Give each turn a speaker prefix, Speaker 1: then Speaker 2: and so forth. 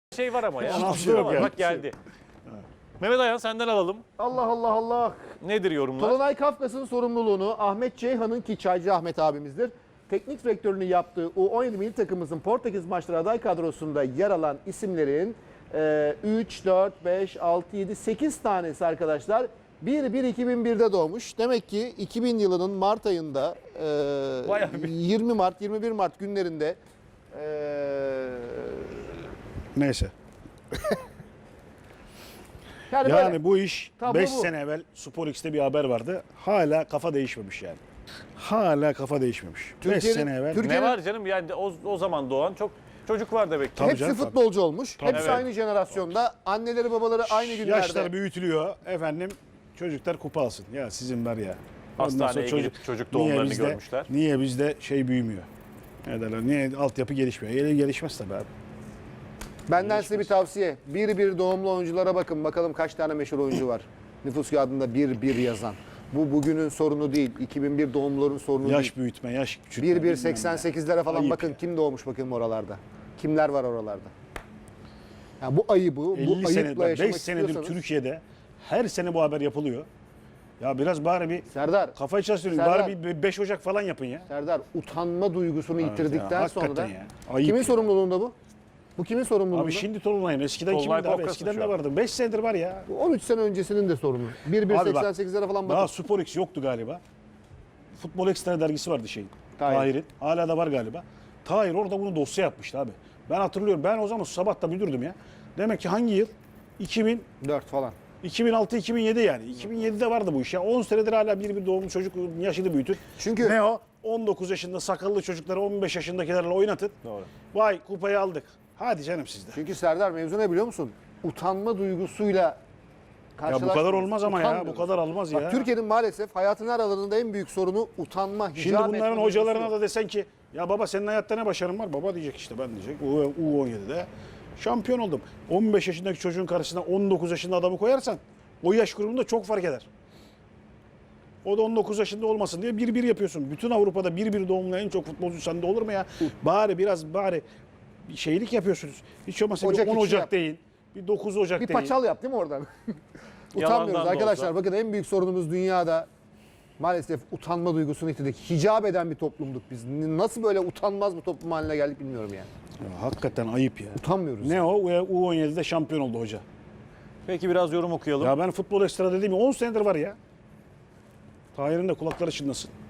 Speaker 1: şey var ama ya.
Speaker 2: Hiçbir şey yok yani.
Speaker 1: Bak geldi. Mehmet Ayan senden alalım.
Speaker 3: Allah Allah Allah.
Speaker 1: Nedir yorumlar?
Speaker 3: Tolunay Kafkas'ın sorumluluğunu Ahmet Ceyhan'ın, ki Çaycı Ahmet abimizdir, teknik direktörünü yaptığı U17 milli takımımızın Portekiz maçları aday kadrosunda yer alan isimlerin 3, 4, 5, 6, 7, 8 tanesi arkadaşlar 1-1-2001'de doğmuş. Demek ki 2000 yılının Mart ayında
Speaker 1: Bayağı bir-
Speaker 3: 20 Mart, 21 Mart günlerinde
Speaker 2: Neyse.
Speaker 3: yani
Speaker 2: Yani
Speaker 3: böyle
Speaker 2: bu iş
Speaker 3: Tablo
Speaker 2: 5
Speaker 3: bu.
Speaker 2: sene evvel Spor X'te bir haber vardı. Hala kafa değişmemiş yani. Hala kafa değişmemiş. 5
Speaker 3: Türkiye'nin-
Speaker 2: sene evvel.
Speaker 3: Türkiye-
Speaker 1: Ne var canım yani o zaman doğan çok çocuk var demek ki.
Speaker 2: Tabii
Speaker 3: hepsi
Speaker 2: canım,
Speaker 3: futbolcu olmuş.
Speaker 2: Tabii.
Speaker 3: Hepsi
Speaker 1: Evet.
Speaker 3: aynı jenerasyonda. Anneleri babaları aynı günlerde.
Speaker 2: Yaşlar büyütülüyor. Efendim çocuklar kupa alsın. Ya sizin var ya. Ondan
Speaker 1: Hastaneye
Speaker 2: sonra
Speaker 1: gidip çocuk
Speaker 2: niye
Speaker 1: doğumlarını
Speaker 2: bizde-
Speaker 1: görmüşler.
Speaker 2: Niye bizde şey büyümüyor? Ne derler? Niye altyapı gelişmiyor? Gelişmez tabii abi.
Speaker 3: Benden size bir tavsiye. 1-1 doğumlu oyunculara bakın. Bakalım kaç tane meşhur oyuncu var. Nüfus kağıdında 1-1 yazan. Bu bugünün sorunu değil. 2001 doğumluların sorunu
Speaker 2: Yaş
Speaker 3: değil.
Speaker 2: büyütme, yaş küçültme.
Speaker 3: 1-1-88'lere falan
Speaker 2: Ayıp
Speaker 3: bakın.
Speaker 2: ya.
Speaker 3: Kim doğmuş bakayım oralarda. Kimler var oralarda. Ya bu ayıbı, bu
Speaker 2: 50
Speaker 3: ayıpla
Speaker 2: senedir,
Speaker 3: yaşamak
Speaker 2: 5 senedir
Speaker 3: istiyorsanız.
Speaker 2: Türkiye'de her sene bu haber yapılıyor. Ya biraz bari bir
Speaker 3: Serdar,
Speaker 2: kafayı çalıştırın.
Speaker 3: Serdar.
Speaker 2: Bari bir 5 Ocak falan yapın ya.
Speaker 3: Serdar utanma duygusunu yitirdikten
Speaker 2: ya,
Speaker 3: sonra
Speaker 2: hakikaten ya. Ayıp
Speaker 3: kimin
Speaker 2: ya.
Speaker 3: sorumluluğunda bu? Bu kimin sorumluluğunda?
Speaker 2: Abi şimdi Tolunay'ın eskiden
Speaker 1: Tolunay
Speaker 2: kimindi abi?
Speaker 1: Kafkas'ın
Speaker 2: Eskiden
Speaker 1: şu
Speaker 2: de
Speaker 1: an.
Speaker 2: vardı. 5 senedir var ya.
Speaker 3: Bu 13 sene öncesinin de sorunu.
Speaker 2: Abi bak,
Speaker 3: 1-1-88'lere falan bakın.
Speaker 2: Daha Spor X yoktu galiba. Futbol Ekstra dergisi vardı şeyin.
Speaker 3: Tahir.
Speaker 2: Tahir'in. Hala da var galiba. Tahir orada bunu dosya yapmıştı abi. Ben hatırlıyorum. Ben o zaman sabah da müdürdüm ya. Demek ki hangi yıl? 2000,
Speaker 3: 4 falan.
Speaker 2: 2006-2007 yani. 2007'de vardı bu iş ya. 10 senedir hala bir doğumlu çocuk yaşını büyütür.
Speaker 3: Çünkü-
Speaker 2: ne o? 19 yaşında sakallı çocukları 15 yaşındakilerle oynatın.
Speaker 1: Doğru.
Speaker 2: Vay kupayı aldık. Hadi canım sizde.
Speaker 3: Çünkü Serdar mevzu ne biliyor musun? Utanma duygusuyla
Speaker 2: Ya bu
Speaker 3: karşılaşmıyoruz.
Speaker 2: kadar olmaz ama ya. Bu
Speaker 3: Utanmıyoruz.
Speaker 2: kadar olmaz ya.
Speaker 3: Bak, Türkiye'nin maalesef hayatın her alanında en büyük sorunu utanma, hicap
Speaker 2: Şimdi bunların
Speaker 3: etme duygusu
Speaker 2: hocalarına
Speaker 3: yok.
Speaker 2: da desen ki ya baba senin hayatta ne başarın var? Baba diyecek işte ben diyecek. U17'de şampiyon oldum. 15 yaşındaki çocuğun karşısına 19 yaşında adamı koyarsan o yaş grubunda çok fark eder. O da 19 yaşında olmasın diye 1-1 yapıyorsun. Bütün Avrupa'da 1-1 doğumlu en çok futbolcu sende olur mu ya? Bari bir şeylik yapıyorsunuz. Hiç olmazsa
Speaker 3: Ocak
Speaker 2: bir 10
Speaker 3: içi
Speaker 2: Ocak
Speaker 3: yap.
Speaker 2: değil. Bir 9 Ocak
Speaker 3: Bir
Speaker 2: değil.
Speaker 3: paçal yap değil mi oradan?
Speaker 1: Yalandan
Speaker 3: Utanmıyoruz
Speaker 1: da
Speaker 3: arkadaşlar.
Speaker 1: olsa.
Speaker 3: Bakın en büyük sorunumuz dünyada maalesef utanma duygusunu yitirdik. Hicap eden bir toplumduk biz. Nasıl böyle utanmaz bir toplum haline geldik bilmiyorum yani.
Speaker 2: Ya, hakikaten ayıp ya.
Speaker 3: Utanmıyoruz.
Speaker 2: Ne o? U17'de şampiyon oldu hoca.
Speaker 1: Peki biraz yorum okuyalım.
Speaker 2: Ya ben futbol ekstra dediğim 10 senedir var ya. Tahir'in de kulakları çınlasın.